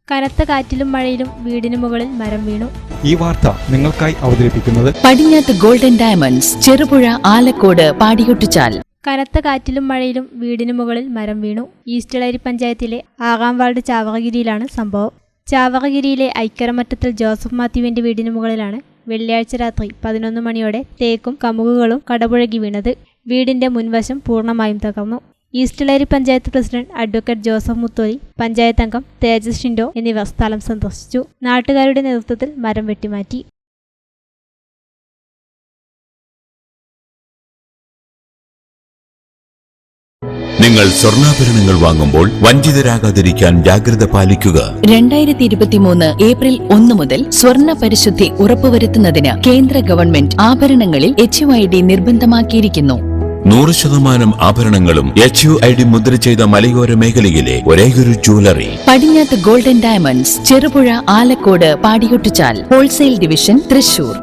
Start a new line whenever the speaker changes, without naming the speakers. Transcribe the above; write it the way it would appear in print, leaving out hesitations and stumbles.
കനത്ത കാറ്റിലും മഴയിലും വീടിന് മുകളിൽ മരം വീണു.
ഈ വാർത്ത നിങ്ങൾക്കായി അവതരിപ്പിക്കുന്നത്
പടിഞ്ഞാത്ത് ഗോൾഡൻ ഡയമണ്ട്സ്, ചെറുപുഴ, ആലക്കോട്, പാടിയൊട്ടിച്ചാൽ.
കനത്ത കാറ്റിലും മഴയിലും വീടിന് മുകളിൽ മരം വീണു. ഈസ്റ്റ് എളേരി പഞ്ചായത്തിലെ 6-ാം വാർഡ് ചാവറഗിരിയിലാണ് സംഭവം. ചാവറഗിരിയിലെ ഐക്കരമറ്റത്തിൽ ജോസഫ് മാത്യുവിന്റെ വീടിന് മുകളിലാണ് വെള്ളിയാഴ്ച രാത്രി 11 മണിയോടെ തേക്കും കമുകുകളും കടപുഴകി വീണത്. വീടിന്റെ മുൻവശം പൂർണ്ണമായും തകർന്നു. East Eleri panchayat president advocate Joseph Muttholi, panchayat അംഗം തേജസ് ഷിൻഡോ എന്നിവർ സ്ഥലം സന്ദർശിച്ചു. നാട്ടുകാരുടെ നേതൃത്വത്തിൽ മരം വെട്ടിമാറ്റി.
നിങ്ങൾ സ്വർണ്ണാഭരണങ്ങൾ വാങ്ങുമ്പോൾ വഞ്ചിതരാകാതിരിക്കാൻ ജാഗ്രത പാലിക്കുക.
2023 ഏപ്രിൽ 1 മുതൽ സ്വർണ്ണ പരിശുദ്ധി ഉറപ്പുവരുത്തുന്നതിന് കേന്ദ്ര ഗവൺമെന്റ് ആഭരണങ്ങളിൽ HUID നിർബന്ധമാക്കിയിരിക്കുന്നു.
100% ആഭരണങ്ങളും HUID മുദ്ര ചെയ്ത മലയോര മേഖലയിലെ ഒരേയൊരു jewellery
Padinjath golden diamonds, Cherupuzha, Alakode, Padiyottuchal. Wholesale division, Thrissur.